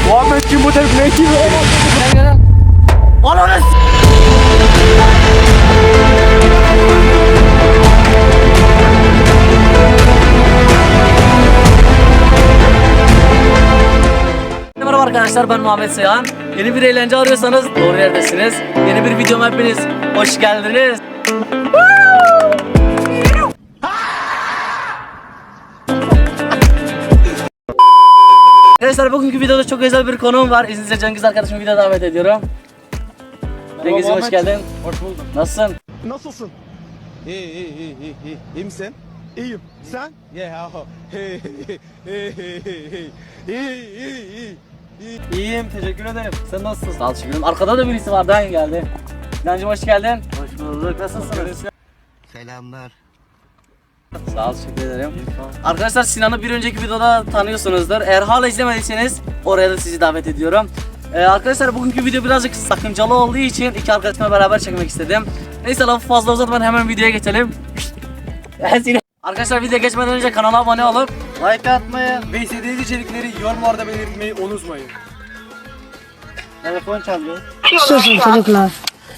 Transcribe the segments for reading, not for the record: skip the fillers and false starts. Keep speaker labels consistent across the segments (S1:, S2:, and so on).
S1: Muhammedciğim bu tepkimeyi kim?
S2: Ananı Merhaba arkadaşlar, ben Muhammed Seyhan. Yeni bir eğlence arıyorsanız doğru yerdesiniz. Yeni bir videoma hepiniz hoş geldiniz. Arkadaşlar bugünkü videoda çok özel bir konuğum var. İzninizle Cengiz arkadaşımı videoya davet ediyorum. Cengiz'im hoş geldin.
S1: Hoş bulduk.
S2: Nasılsın?
S1: Nasılsın? İyi. İyi misin? İyiyim. Sen?
S2: İyiyim, teşekkür ederim. Sen nasılsın? Sağ ol, teşekkür ederim. Arkada da birisi var, daha iyi geldi. Sinancığım hoş geldin. Hoş bulduk. Nasılsınız?
S3: Selamlar.
S2: Sağ ol, teşekkür ederim. Arkadaşlar Sinan'ı bir önceki videoda tanıyorsunuzdur. Eğer hala izlemediyseniz oraya da sizi davet ediyorum. Arkadaşlar bugünkü video birazcık sakıncalı olduğu için iki arkadaşımla beraber çekmek istedim. Neyse lafı fazla uzatmadan hemen videoya geçelim. Arkadaşlar video geçmeden önce kanala abone olup
S1: Like atmayı ve istediğiniz içerikleri yorumlarda belirtmeyi unutmayın.
S2: telefon çalıyor.
S4: Susun çocuklar.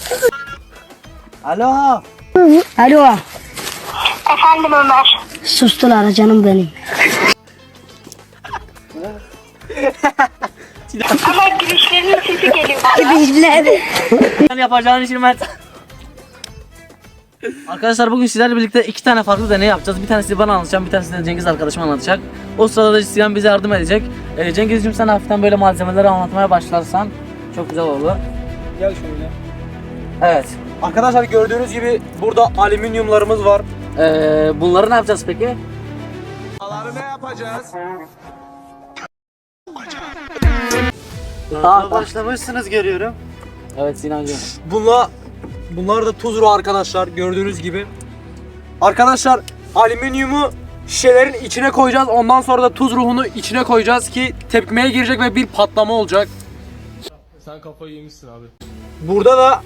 S2: Alo.
S4: Alo.
S5: Efendim Ömer.
S4: Sustular canım benim.
S5: Ama gülüşlerinin sesi geliyor.
S4: Bizler.
S2: Sen yapacağın işi ben... Arkadaşlar bugün sizlerle birlikte iki tane farklı deney yapacağız. Bir tanesi bana anlatacağım, bir tanesi de Cengiz arkadaşım anlatacak. O sırada da Sinan bize yardım edecek. Cengizciğim sen hafiften böyle malzemeleri anlatmaya başlarsan çok güzel olur.
S1: Gel şöyle.
S2: Evet.
S1: Arkadaşlar gördüğünüz gibi burada alüminyumlarımız var.
S2: Bunları ne yapacağız peki?
S1: Bunları ne yapacağız?
S3: Başlamışsınız görüyorum.
S2: Evet Sinancığım.
S1: Bunlar da tuz ruhu arkadaşlar gördüğünüz gibi. Arkadaşlar alüminyumu şişelerin içine koyacağız. Ondan sonra da tuz ruhunu içine koyacağız ki tepkimeye girecek ve bir patlama olacak.
S6: Sen kafayı yemişsin abi.
S1: Burada da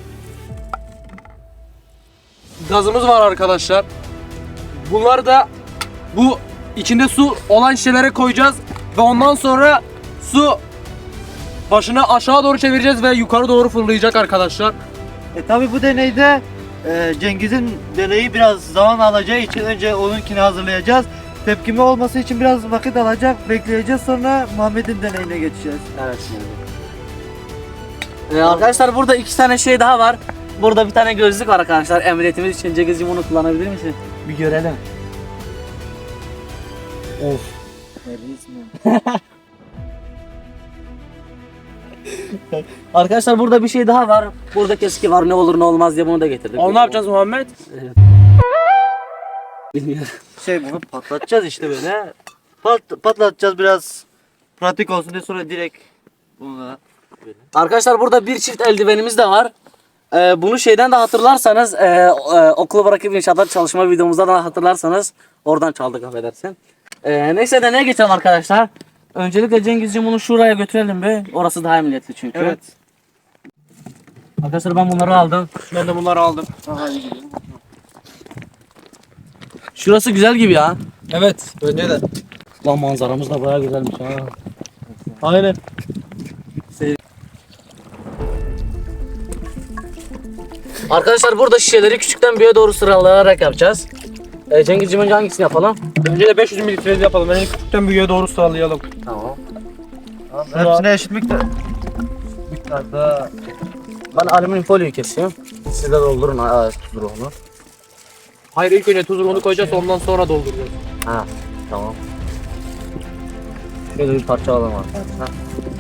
S1: gazımız var arkadaşlar. Bunlar da bu içinde su olan şişelere koyacağız ve ondan sonra su başını aşağı doğru çevireceğiz ve yukarı doğru fırlayacak arkadaşlar.
S3: Tabi bu deneyde Cengiz'in deneyi biraz zaman alacağı için önce onunkini hazırlayacağız. Tepkime olması için biraz vakit alacak, bekleyeceğiz, sonra Muhammed'in deneyine geçeceğiz.
S2: Evet şimdi. Arkadaşlar burada iki tane şey daha var. Burada bir tane gözlük var arkadaşlar. Emniyetimiz için Cengizciğim onu kullanabilir misin? Bir görelim. Of. Arkadaşlar burada bir şey daha var. Burada keski var, ne olur ne olmaz diye bunu da getirdik.
S1: Onu ne yapacağız Muhammed?
S2: Bilmiyorum.
S3: Bunu patlatacağız işte böyle. Patlatacağız biraz pratik olsun diye, sonra direkt bununla böyle.
S2: Arkadaşlar burada bir çift eldivenimiz de var. Bunu şeyden de hatırlarsanız okulu bırakıp inşaatlar çalışma videomuzda da hatırlarsanız oradan çaldık, affedersin. Neyse de neye geçelim arkadaşlar. Öncelikle Cengizciğim bunu şuraya götürelim be. Orası daha emniyetli çünkü.
S1: Evet.
S2: Arkadaşlar ben bunları aldım.
S1: Ben de bunları aldım.
S2: Şurası güzel gibi ya.
S1: Evet, bence de.
S2: Lan manzaramız da bayağı güzelmiş ha.
S1: Aynen.
S2: Arkadaşlar burada şişeleri küçükten büyüğe doğru sıralayarak yapacağız. Cengizciğim önce hangisini yapalım?
S1: Önce de 500 mililitre yapalım. Yani küçükten büyüğe doğru sıralayalım.
S2: Tamam.
S3: Hepsine eşit miktarda.
S2: Ben alüminyum folyoyu kesiyorum. Siz de doldurun tuz ruhunu.
S1: Hayır, ilk önce tuz ruhunu koyacağız, ondan sonra dolduracağız.
S2: Ha, tamam. Şöyle bir parça alalım arkadaşlar.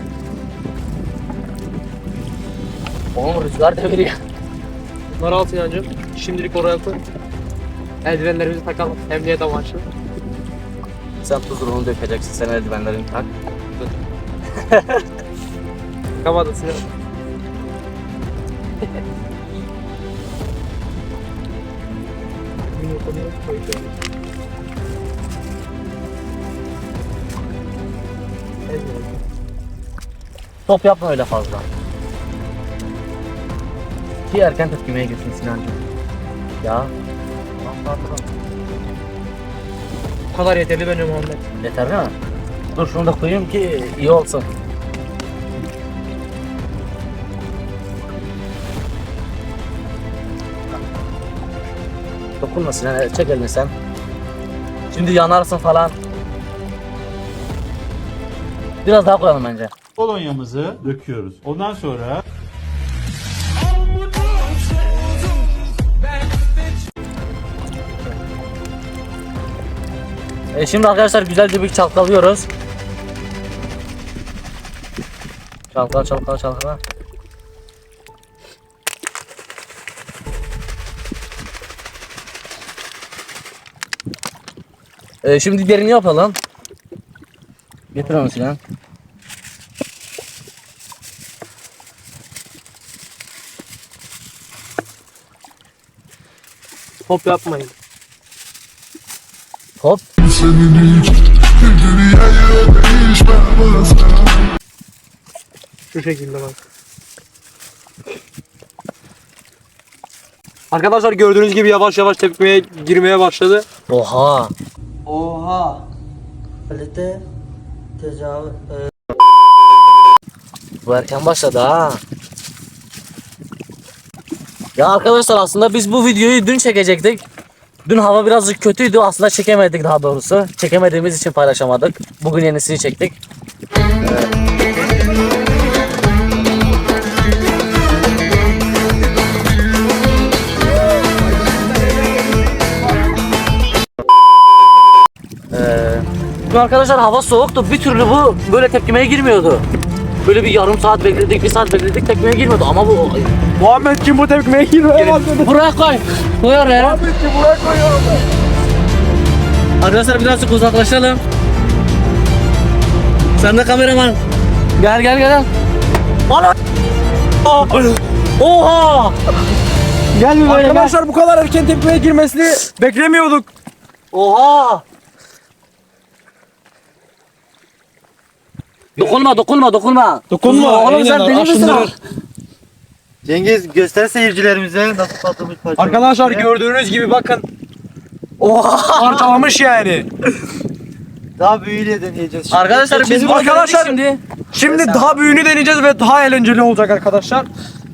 S2: Oğlum rüzgar deviriyor.
S1: Bunları al Sinancığım. Şimdilik oraya koy. Eldivenlerimizi takalım. Emniyet amaçlı.
S2: Sen tuz ruhunu dökeceksin, sen eldivenlerini tak.
S1: Kamadın Sinan.
S2: Top yapma öyle fazla. Ki erken tepkimeye gitsin Sinancığım. Ya.
S1: Bu kadar yeterli bence Muhammed.
S2: Yeter değil mi? Dur şunu da koyayım ki iyi olsun. Dokunmasın yani, çek elini sen. Şimdi yanarsın falan. Biraz daha koyalım bence.
S7: Kolonyamızı döküyoruz. Ondan sonra
S2: Şimdi arkadaşlar güzelce bir çalkalıyoruz. Çalkala çalkala çalkala. Şimdi diğerini yapalım. Getir onu Sinan.
S1: Hop yapmayın.
S2: Hop.
S1: Şu şekilde bak. Arkadaşlar gördüğünüz gibi yavaş yavaş tepkimeye girmeye başladı.
S2: Oha.
S3: Oha. Kalite tecavüz.
S2: Bu erken başladı ha. Ya arkadaşlar aslında biz bu videoyu dün çekecektik. Dün hava birazcık kötüydü. Aslında çekemedik daha doğrusu. Çekemediğimiz için paylaşamadık. Bugün yenisini çektik. Dün arkadaşlar hava soğuktu. Bir türlü bu böyle tepkimeye girmiyordu. Böyle bir yarım saat bekledik, bir saat bekledik, tepkimeye girmiyordu ama bu...
S1: Muhammedciğim bu tepkimeye girmeye başladı.
S2: Buraya koy. Koy oraya.
S1: Muhammedciğim buraya koyuyorum.
S2: Arkadaşlar birazcık uzaklaşalım. Sen de kameraman. Gel gel gel. Ana! Oha! Gel bir böyle.
S1: Arkadaşlar bu kadar erken tepkimeye girmesini beklemiyorduk.
S2: Oha! Dokunma dokunma dokunma.
S1: Dokunma.
S2: Oğlum sen deli misin?
S3: Cengiz göster seyircilerimize nasıl patlamış parça.
S1: Arkadaşlar gördüğünüz gibi bakın. Oha! Parçalamış yani.
S3: Daha büyüğüyle deneyeceğiz şimdi.
S2: Arkadaşlar biz
S1: Bizim
S2: bunu
S1: arkadaşlar-
S2: şimdi.
S1: Şimdi daha büyüğünü deneyeceğiz ve daha eğlenceli olacak arkadaşlar.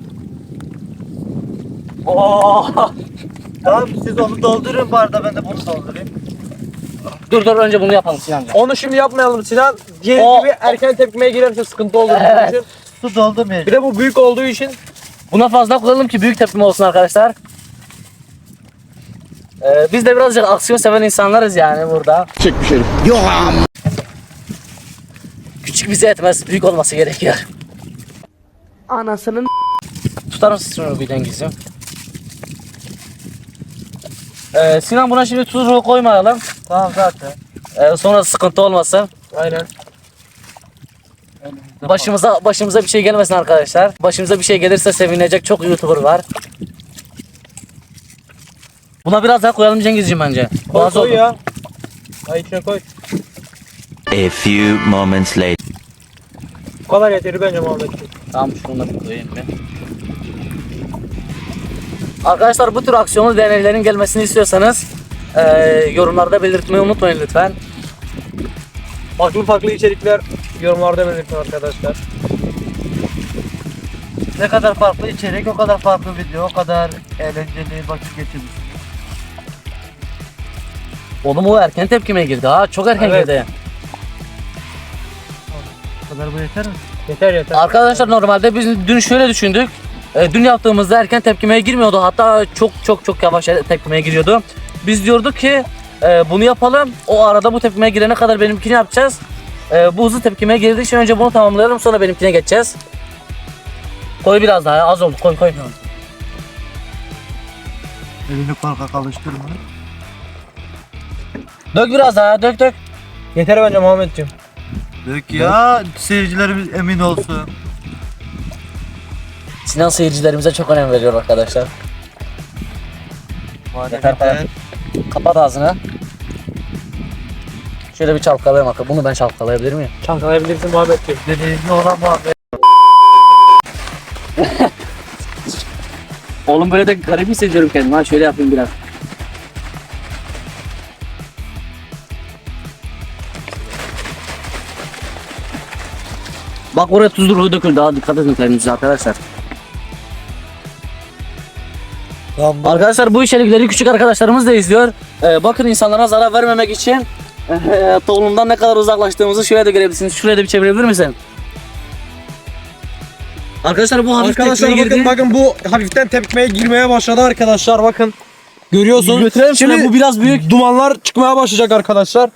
S2: Oha!
S3: Tamam siz onu doldurun bu arada ben de bunu doldurayım.
S2: Dur önce bunu yapalım Sinan'cığım.
S1: Onu şimdi yapmayalım Sinan. Diğer
S2: O-
S1: gibi erken tepkimeye girerse sıkıntı olur. bizim
S2: Evet.
S1: için.
S3: Su doldurmayacağım.
S1: Bir de bu büyük olduğu için
S2: Buna fazla koyalım ki büyük tepkime olsun arkadaşlar. Biz de birazcık aksiyon seven insanlarız yani burada.
S6: Çekmiş herif.
S2: Küçük bize etmez, büyük olması gerekiyor. Anasının tutar mısın şunu bir Cengiz'im? Sinan buna şimdi tuzu koymayalım.
S3: Tamam zaten.
S2: Sonra sıkıntı olmasın.
S1: aynen.
S2: Başımıza bir şey gelmesin arkadaşlar. Başımıza bir şey gelirse sevinecek çok YouTuber var. Buna biraz daha koyalım Cengiz'ciğim bence.
S1: Koy,
S2: Bazı
S1: koy
S2: oldu.
S1: ya. Ay içine koy.
S8: A few moments later.
S1: Bu kadar yeteri bence Muhammedciğim.
S2: Tamam şunu da bir koyayım bir. Arkadaşlar bu tür aksiyonlu deneylerin gelmesini istiyorsanız yorumlarda belirtmeyi unutmayın lütfen.
S1: Farklı içerikler yorumlarda belirtin arkadaşlar.
S3: Ne kadar farklı içerik, o kadar farklı video, o kadar eğlenceli vakit geçirmiş.
S2: Oğlum o erken tepkime girdi ha, çok erken
S1: Evet.
S2: girdi.
S3: O kadar bu yeter mi?
S1: Yeter.
S2: Arkadaşlar normalde biz dün şöyle düşündük. Dün yaptığımızda erken tepkimeye girmiyordu. Hatta çok yavaş tepkimeye giriyordu. Biz diyorduk ki bunu yapalım. O arada bu tepkimeye girene kadar benimkini yapacağız. Bu hızlı tepkimeye girdiği için önce bunu tamamlayalım, sonra benimkine geçeceğiz. Koy biraz daha, az oldu. Koy.
S3: Elini korkak alıştırma.
S2: Dök biraz daha, dök.
S1: Yeter bence Muhammedciğim.
S3: Dök ya, seyircilerimiz emin olsun.
S2: Sinan seyircilerimize çok önem veriyor arkadaşlar. Yeter falan. Kapat ağzını. Şöyle bir çalkalayayım bakalım. Bunu ben çalkalayabilir miyim?
S1: Çalkalayabilirsin Muhammedciğim.
S3: Deneyimli olan muhabbet.
S2: Oğlum böyle de garip hissediyorum kendimi. Ha şöyle yapayım biraz. Bak oraya tuzlu ruhu döküldü. Daha dikkat edin kendinize arkadaşlar. Arkadaşlar bu içerikleri küçük arkadaşlarımız da izliyor. Bakın insanlara zarar vermemek için toplumdan ne kadar uzaklaştığımızı şöyle de görebilirsiniz. Şuraya da bir çevirebilir misin? Arkadaşlar bu hafif
S1: Arkadaşlar
S2: tepkime girdi.
S1: bakın bu hafiften tepkimeye girmeye başladı arkadaşlar bakın. Görüyorsunuz.
S2: Götürelim şöyle, bu biraz büyük.
S1: Dumanlar çıkmaya başlayacak arkadaşlar.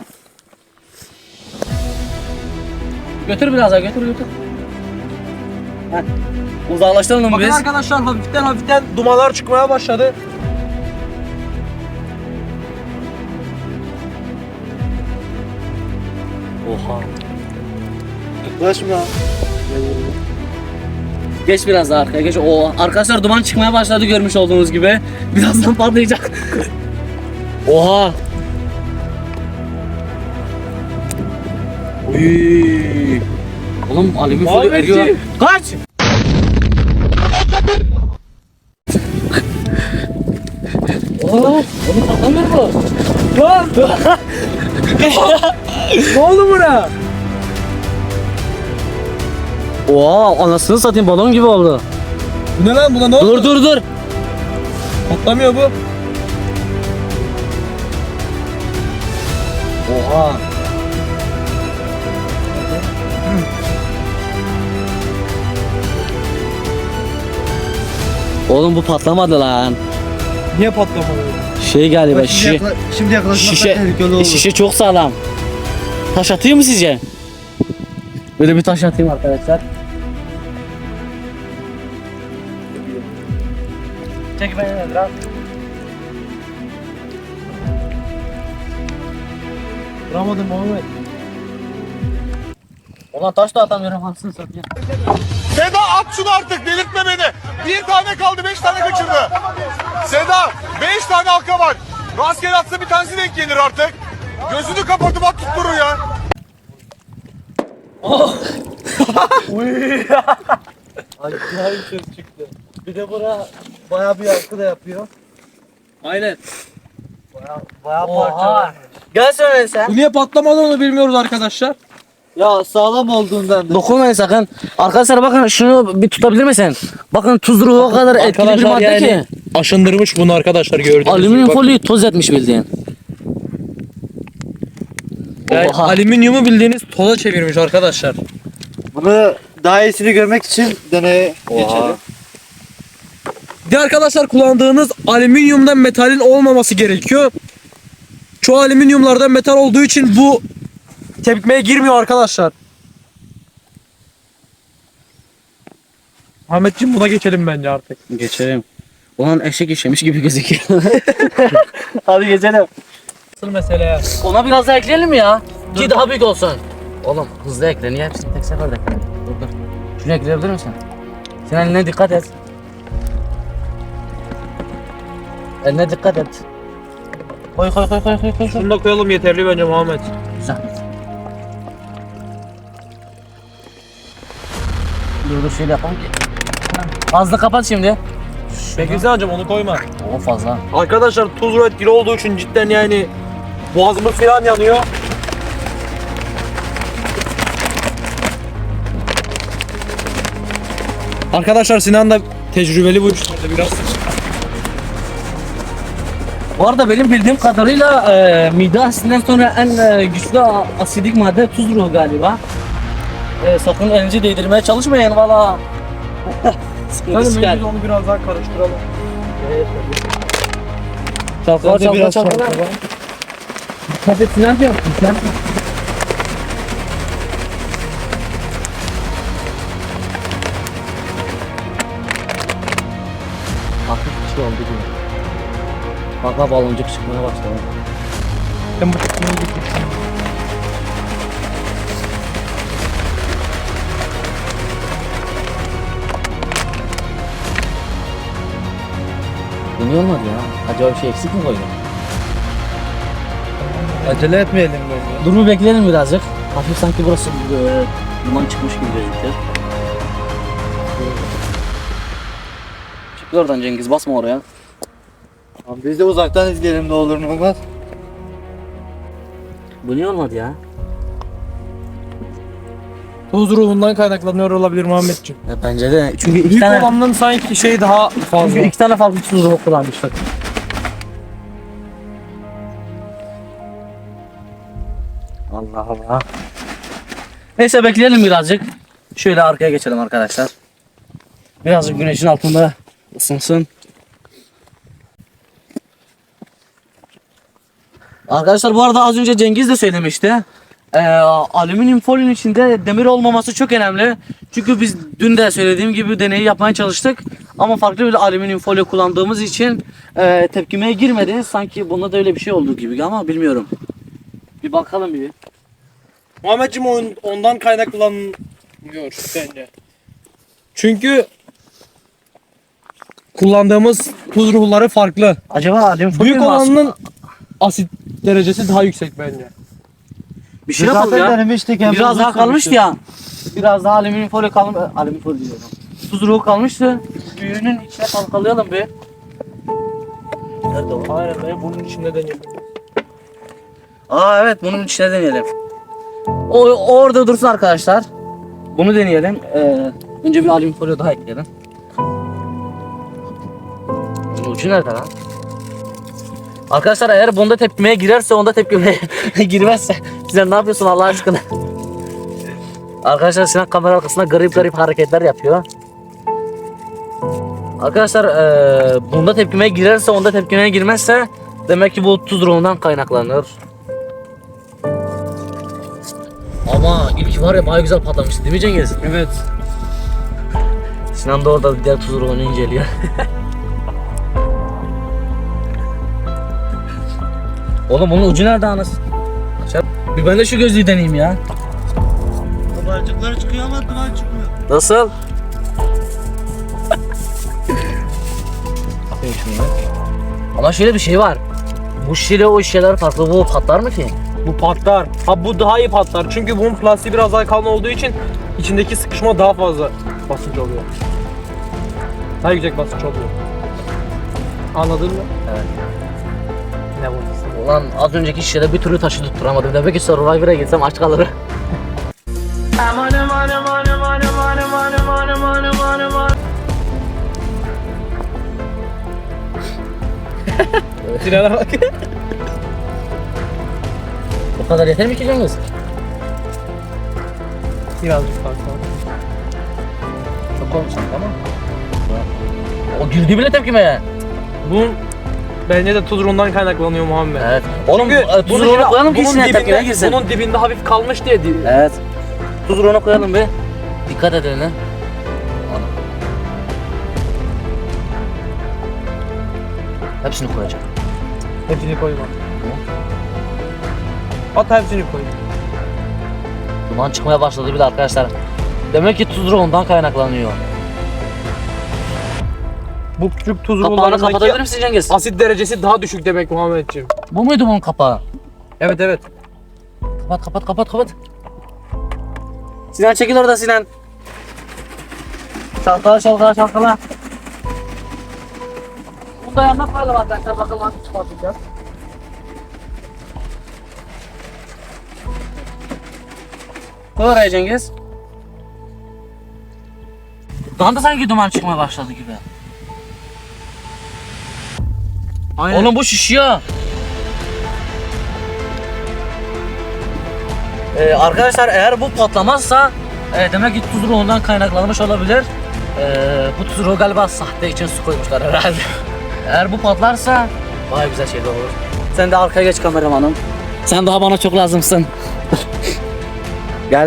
S2: Götür biraz daha, götür. Heh. Uzaklaştıralım
S1: Bakın
S2: biz.
S1: arkadaşlar hafiften dumanlar çıkmaya başladı.
S2: Oha.
S3: Yaklaşma.
S2: Geç biraz daha arkaya geç. Oo, arkadaşlar duman çıkmaya başladı görmüş olduğunuz gibi. Birazdan patlayacak. Oha. Uy. Oğlum alüminyum folyo eriyor. Kaç. Oğlum patlamıyor mu?
S1: Lan! Ne oldu buna?
S2: Oha, anasını satayım, balon gibi oldu.
S1: Bu ne lan, buna ne oldu?
S2: Dur.
S1: Patlamıyor bu.
S2: Oha. Oğlum bu patlamadı lan.
S1: Niye patlamadı?
S2: Şey galiba
S3: Bak, şimdi yaklaşmak da tehlikeli olur.
S2: şişe çok sağlam. Taş atıyor mu sizce? Böyle bir taş atayım arkadaşlar. Çek beni biraz.
S1: Vuramadım Muhammed.
S2: Ulan taş da atamıyorum, anasını satayım.
S6: Seda at şunu artık, delirtme beni. Bir tane kaldı, 5 tane kaçırdı. Seda 5 tane halka var. Rastgele atsa bir tanesi denk gelir artık. Gözünü kapatıp at tutturur ya.
S3: Acayip ses çıktı. Bir de bura bayağı bir yankı da yapıyor.
S1: Aynen.
S3: Bayağı
S2: Oha.
S3: parçalanmış.
S2: Gel söyle sen.
S1: Bu niye patlamadı onu bilmiyoruz arkadaşlar.
S3: Ya sağlam olduğundan da.
S2: Dokunmayın sakın. Arkadaşlar bakın şunu bir tutabilir misin? Bakın tuz ruhu o kadar etkili bir madde ki.
S1: Aşındırmış bunu arkadaşlar gördüğünüz
S2: Alüminyum folyoyu toz etmiş bildiğin.
S1: Yani
S2: Oha.
S1: alüminyumu bildiğiniz toza çevirmiş arkadaşlar.
S3: Bunu daha iyisini görmek için deneye geçelim.
S1: Bir de arkadaşlar kullandığınız alüminyumdan metalin olmaması gerekiyor. Çoğu alüminyumlardan metal olduğu için bu tepkimeye girmiyor arkadaşlar. Ahmetciğim buna geçelim bence artık.
S2: Geçelim. Ulan eşek işemiş gibi gözüküyor. Hadi geçelim.
S1: Asıl mesele ya.
S2: Ona biraz daha ekleyelim mi ya? Ki daha büyük olsun. Oğlum hızlı ekle. Niye hepsini tek seferde ekle? Dur. Şunu ekleyebilir misin? Sen eline dikkat et. Eline dikkat et. Koy.
S1: Şunu da koyalım, yeterli bence Muhammed.
S2: Güzel. Dur şöyle yapalım ki. Fazla kapat şimdi.
S1: Peki Zancım onu koyma.
S2: O fazla.
S1: Arkadaşlar tuz etkili olduğu için cidden yani boğazımız falan yanıyor. Arkadaşlar Sinan da tecrübeli bu işlerde biraz.
S2: Bu arada benim bildiğim kadarıyla mide asidinden sonra en güçlü asidik madde tuz ruhu galiba. Sakın elinizi değdirmeye çalışmayın valla. Sıkıntı çıkar.
S1: onu biraz daha karıştıralım.
S2: Çalkala çalkala. Dikkat et Sinancığım. Sen. Hafif bir şey oldu gibi. Bak baloncuk çıkmaya başladı.
S1: Ben bu tepkimeyi getirdim.
S2: Yeni olmadı ya. Acaba bir şey eksik mi koydun?
S3: Acele etmeyelim bence.
S2: Dur bir bekleyelim birazcık. Hafif sanki burası duman çıkmış gibi gözüküyor. Çık oradan Cengiz, basma oraya.
S3: Tamam, biz de uzaktan izleyelim ne olur ne olmaz.
S2: Bu niye olmadı ya?
S1: Tuz ruhundan kaynaklanıyor olabilir Muhammedciğim.
S2: Bence de. Çünkü iki
S1: Büyük
S2: tane,
S1: olanın sanki şey daha fazla.
S2: çünkü iki tane farklı tuz ruhu kullanmışlar. Allah Allah. Neyse bekleyelim birazcık. Şöyle arkaya geçelim arkadaşlar. Birazcık güneşin altında ısınsın. Arkadaşlar bu arada az önce Cengiz de söylemişti. Alüminyum folyonun içinde demir olmaması çok önemli. Çünkü biz dün de söylediğim gibi deneyi yapmaya çalıştık. Ama farklı bir alüminyum folyo kullandığımız için tepkimeye girmedi. Sanki bunda da öyle bir şey olduğu gibi ama bilmiyorum. Bir bakalım bir.
S1: Muhammedciğim ondan kaynaklanıyor bence. Çünkü kullandığımız tuz ruhları farklı.
S2: Acaba alüminyum folyo
S1: Büyük
S2: mu aslında?
S1: olanın asit derecesi daha yüksek bence.
S2: Bir şey yapalım ya.
S3: denemiştik. hem
S2: Biraz
S3: uzun
S2: daha kalmıştı
S3: sürmüştü.
S2: ya. Biraz daha alüminyum folyo kalmış. Alüminyum folyo diyorum. Tuz ruhu kalmıştı. Büyüğünün içine kalkalayalım bir. Nerede o?
S1: Hayır be, bunun içinde deneyelim.
S2: Aa evet, bunun içine deneyelim. O orada dursun arkadaşlar. Bunu deneyelim. Önce bir alüminyum folyo daha ekleyelim. Bunun ucu nerede lan? Arkadaşlar eğer bunda tepkimeye girerse, onda tepkimeye girmezse Sinan ne yapıyorsun Allah aşkına? Arkadaşlar Sinan kamera arkasında garip hareketler yapıyor. Arkadaşlar bunda tepkimeye girerse, onda tepkimeye girmezse demek ki bu tuz ruhundan kaynaklanır. Ama ilk var ya, bayağı güzel patlamıştı değil mi Cengiz?
S1: Evet.
S2: Sinan da orada diğer tuz ruhunu inceliyor. Oğlum bunun ucu nerede anasını? Bir ben de şu gözlüğü deneyeyim ya.
S3: Kabarcıklar çıkıyor ama duman çıkmıyor.
S2: Nasıl? Ama şöyle bir şey var. Bu şişeyle o şişeler farklı. Bu patlar mı ki?
S1: Bu patlar. Ha, bu daha iyi patlar. Çünkü bunun plastiği biraz daha kalın olduğu için içindeki sıkışma daha fazla basınç oluyor. Daha yüksek basınç oluyor. Anladın mı?
S2: Evet.
S1: Ne bu?
S2: Ulan az önceki şişede bir türlü taşı tutturamadım. Demek ki Survivor'a gitsem aç kalırım.
S1: Sinan'a bak.
S2: Bu kadar yeter mi ki Cengiz?
S1: Birazcık fazla.
S2: Çok olmuş ama. O girdi bile tepkimeye.
S1: Bunun bence de tuz ruhundan kaynaklanıyor Muhammed.
S2: Evet. Oğlum tuz
S1: bunun
S2: ruhunu koyalım ki
S1: bunun
S2: içine tepkimeye
S1: dibinde,
S2: girsin.
S1: bunun dibinde hafif kalmış diye değil.
S2: Evet. Tuz ruhunu koyalım bir. Dikkat edelim. Ana. Hepsini koyacağım.
S1: Hepsini koyma. At hepsini koy.
S2: Duman çıkmaya başladı bile arkadaşlar. Demek ki tuz ruhundan kaynaklanıyor.
S1: Bu küçük tuz
S2: Kapağını kapatabilir
S1: ruhundan
S2: misin Cengiz?
S1: asit derecesi daha düşük demek Muhammedciğim.
S2: Bu muydu bunun kapağı?
S1: Evet evet.
S2: Kapat. Sinan çekil orada Sinan. Çalkala. Bunu da yanına koyalım arkadaşlar. Bakalım nasıl çıkartacağız. Koy oraya Cengiz. Buradan da sanki duman çıkmaya başladı gibi.
S1: Aynen.
S2: Oğlum bu şişiyor. Arkadaşlar eğer bu patlamazsa demek ki tuz ruhundan kaynaklanmış olabilir. Bu tuz ruhu galiba sahte için su koymuşlar herhalde. Eğer bu patlarsa bayağı güzel şeyler olur. Sen de arkaya geç kameramanım. Sen daha bana çok lazımsın. Gel.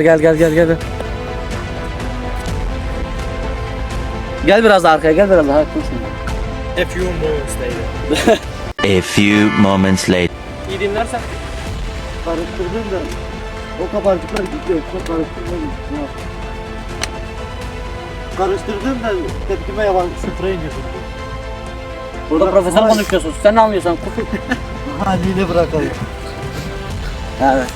S2: Gel biraz daha arkaya, gel biraz daha.
S1: A few moments later.
S8: A few moments later.
S1: İyi dinlersen.
S3: Karıştırdım da o kabarcıklar gidiyor. Çok karıştırmadım. Karıştırdım da tepkime yaban sıfıra iniyorsun.
S2: Burada profesör konuşuyorsun. Sen ne anlıyorsan?
S3: Haliyle bırakalım.
S2: Evet.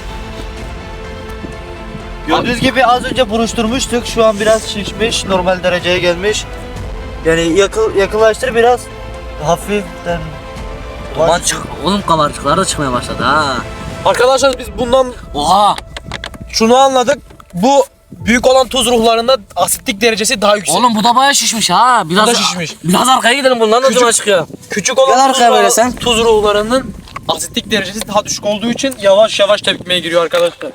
S3: Gördüğünüz gibi az önce buruşturmuştuk. Şu an biraz şişmiş. Normal dereceye gelmiş. Yani yakınlaştır biraz. Hafiften.
S2: Duman çık. Oğlum kabarcıklar da çıkmaya başladı ha.
S1: Arkadaşlar biz bundan
S2: Oha!
S1: şunu anladık. Bu büyük olan tuz ruhlarında asitlik derecesi daha yüksek.
S2: Oğlum bu da bayağı şişmiş ha. Biraz
S1: Bu da şişmiş.
S2: Biraz arkaya gidelim, bundan da duman çıkıyor.
S1: Küçük olan
S2: Gel arkaya böyle sen.
S1: tuz ruhlarının asitlik derecesi daha düşük olduğu için yavaş yavaş tepkimeye giriyor arkadaşlar.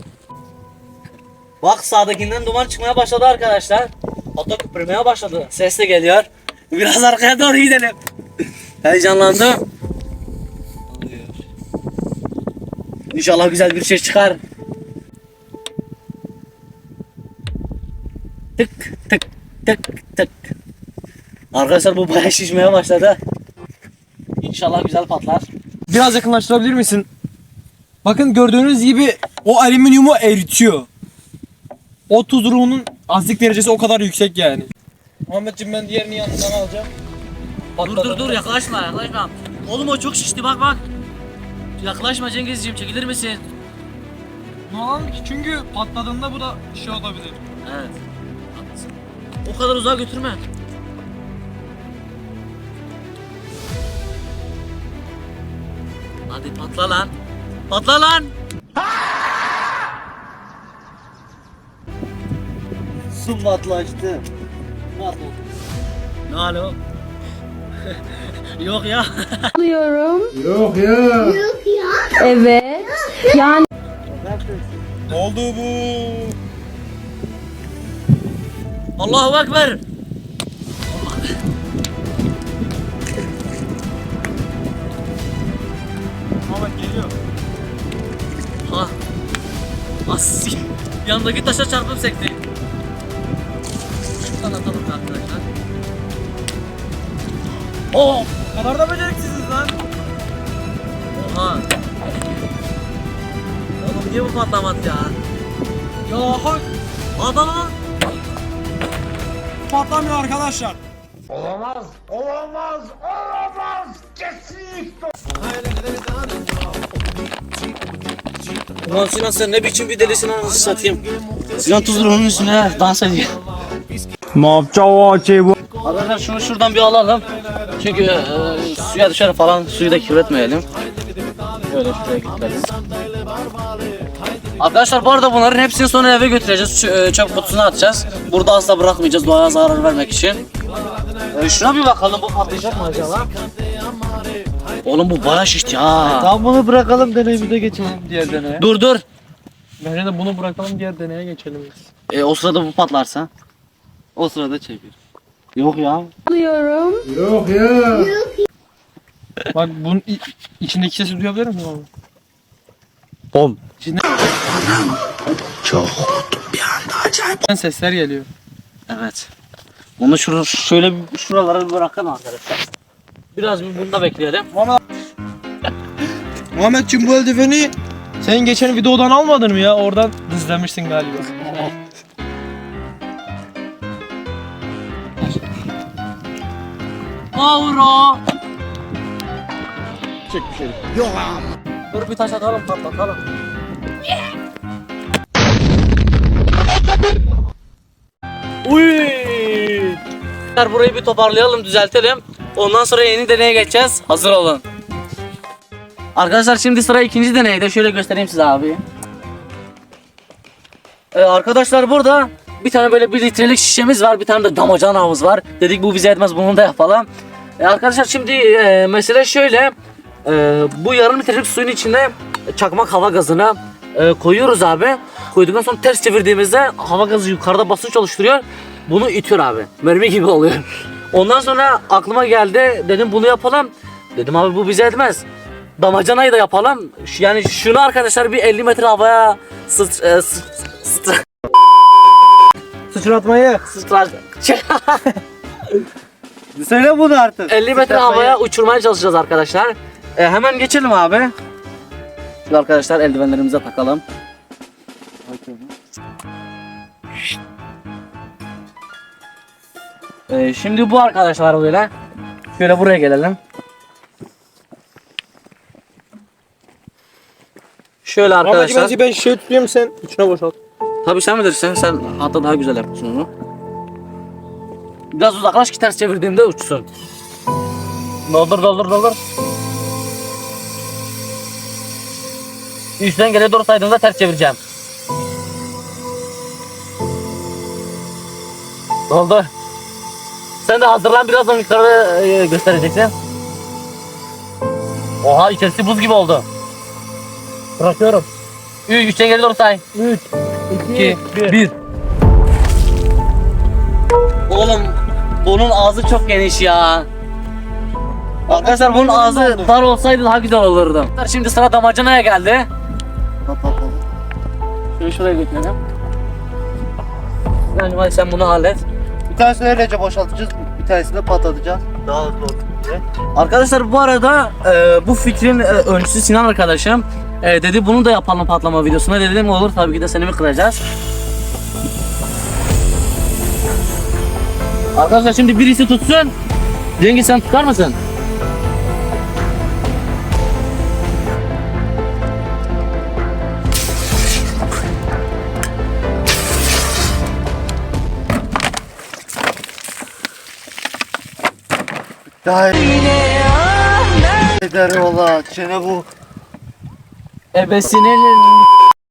S2: Bak sağdakinden duman çıkmaya başladı arkadaşlar. Hatta köpürmeye başladı. Ses de geliyor. Biraz arkaya doğru gidelim. Heyecanlandım. İnşallah güzel bir şey çıkar. Tık tık tık tık. Arkadaşlar bu bayağı şişmeye başladı. İnşallah güzel patlar.
S1: Biraz yakınlaştırabilir misin? Bakın gördüğünüz gibi o alüminyumu eritiyor. O tuz ruhunun asitlik derecesi o kadar yüksek yani. Muhammedciğim ben diğerini yanından alacağım.
S2: Dur yaklaşma. Oğlum o çok şişti, bak. Yaklaşma Cengizciğim, çekilir misin?
S1: Ne alalım ki? Çünkü patladığında bu da şey olabilir.
S2: Evet. Haklısın. O kadar uzağa götürme. Hadi patla lan. Patla lan.
S3: Su matlaştı.
S2: Ne alo? Yok ya.
S4: Evet. Yani
S1: Ne oldu bu?
S2: Allahu Ekber.
S1: Muhammed geliyor.
S2: Ha. As. Yanındaki taşa çarpıp sekti. Şuradan atalım arkadaşlar. Oh.
S1: O kadar da beceriksiziz lan.
S2: Oha. Oğlum niye bu patlamadı ya?
S1: Ya hak
S2: Adam.
S1: patlamıyor arkadaşlar.
S2: Ulan Sinan sen ne biçim bir delisin anasını satayım. Sinan tuzluğunun üstüne dans ediyor. Arkadaşlar şunu şuradan bir alalım. Çünkü suya dışarı falan suyu da kirletmeyelim. Böyle şuraya getirelim. Arkadaşlar bu arada bunların hepsini sonra eve götüreceğiz. Çöp kutusuna atacağız. Burada asla bırakmayacağız doğaya zarar vermek için. Şuna bir bakalım, bu patlayacak mı acaba? Oğlum bu bayağı şişti ha.
S3: Tam bunu bırakalım, deneyimize geçelim diğer deneye.
S2: Dur.
S1: Bence de bunu bırakalım diğer deneye geçelim.
S2: O sırada bu patlarsa.
S3: O sırada çevir.
S2: Yok ya.
S1: Bak bunun içindeki sesi duyabilir misin abi?
S2: Bom.
S1: Sesler geliyor.
S2: Evet. Bunu şöyle şuralara bir bırakalım arkadaşlar. Biraz bir bunda bekleyelim.
S1: Muhammedciğim bu eldiveni sen geçen videodan almadın mı ya? Oradan izlemişsin galiba.
S2: Avro. Çek bir şey. Yok. Dur bir taş atalım, patlatalım. Uy! Burayı bir toparlayalım, düzeltelim. Ondan sonra yeni deneye geçeceğiz. Hazır olun. Arkadaşlar şimdi sıra ikinci deneyde. Şöyle göstereyim size abi. Arkadaşlar burada bir tane böyle 1 litrelik şişemiz var. Bir tane de damacanamız var. Dedik bu bize yetmez, bunu da yapalım. Arkadaşlar şimdi mesele şöyle. Bu yarım litrelik suyun içine çakmak hava gazını koyuyoruz abi. Koyduktan sonra ters çevirdiğimizde hava gazı yukarıda basınç oluşturuyor. Bunu itiyor abi. Mermi gibi oluyor. Ondan sonra aklıma geldi. Dedim bunu yapalım. Dedim abi bu bize etmez. Damacanayı da yapalım. Yani şunu arkadaşlar bir 50 metre havaya
S1: Sıçratmayı.
S3: Söyle bunu artık.
S2: 50 metre havaya uçurmaya çalışacağız arkadaşlar. Hemen geçelim abi. Şimdi arkadaşlar eldivenlerimize takalım. Şimdi bu arkadaşlar böyle. Şöyle buraya gelelim. Şöyle arkadaşlar.
S1: Muhammedciğim ben şey tutayım sen içine boşalt.
S2: Tabii sen bilirsin. Sen hatta daha güzel yapıyorsun onu. Biraz uzaklaş ki ters çevirdiğimde uçsun. Doldur. Üstten geriye doğru saydığımda ters çevireceğim. Doldu. Sen de hazırlan, birazdan yukarı göstereceksin. Oha, içerisi buz gibi oldu. Bırakıyorum. 3'ten geri doğru say.
S1: 3,
S2: 2, 1. Oğlum bunun ağzı çok geniş ya. Arkadaşlar bunun ağzı dar olsaydı daha güzel olurdu. Şimdi sıra damacanaya geldi. Şunu şuraya götürelim. Yani hadi sen bunu hallet.
S3: Bir tanesini öylece boşaltacağız. Bir tanesini de patlatacağız. Daha hızlı olsun diye.
S2: Arkadaşlar bu arada bu fikrin öncüsü Sinan arkadaşım. Dedi bunu da yapalım patlama videosuna. Dedim olur, tabii ki de seni mi kıracağız. Arkadaşlar şimdi birisi tutsun. Cengiz sen tutar mısın?
S3: Daha eder ola. Çene bu.
S2: Ebesinin.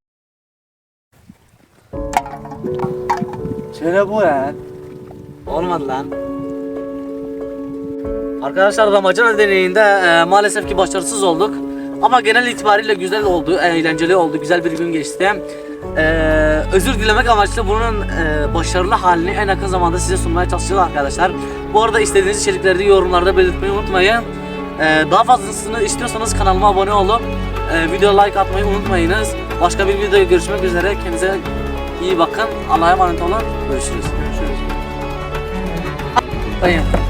S3: Çene bu ya.
S2: Olmadı lan. Arkadaşlar damacana deneyinde maalesef ki başarısız olduk. Ama genel itibariyle güzel oldu, eğlenceli oldu, güzel bir gün geçti. Özür dilemek amaçlı bunun başarılı halini en yakın zamanda size sunmaya çalışacağız arkadaşlar. Bu arada istediğiniz içerikleri yorumlarda belirtmeyi unutmayın. Daha fazlasını istiyorsanız kanalıma abone olup video like atmayı unutmayınız. Başka bir videoda görüşmek üzere. Kendinize iyi bakın. Allah'a emanet olun. Görüşürüz. Görüşürüz.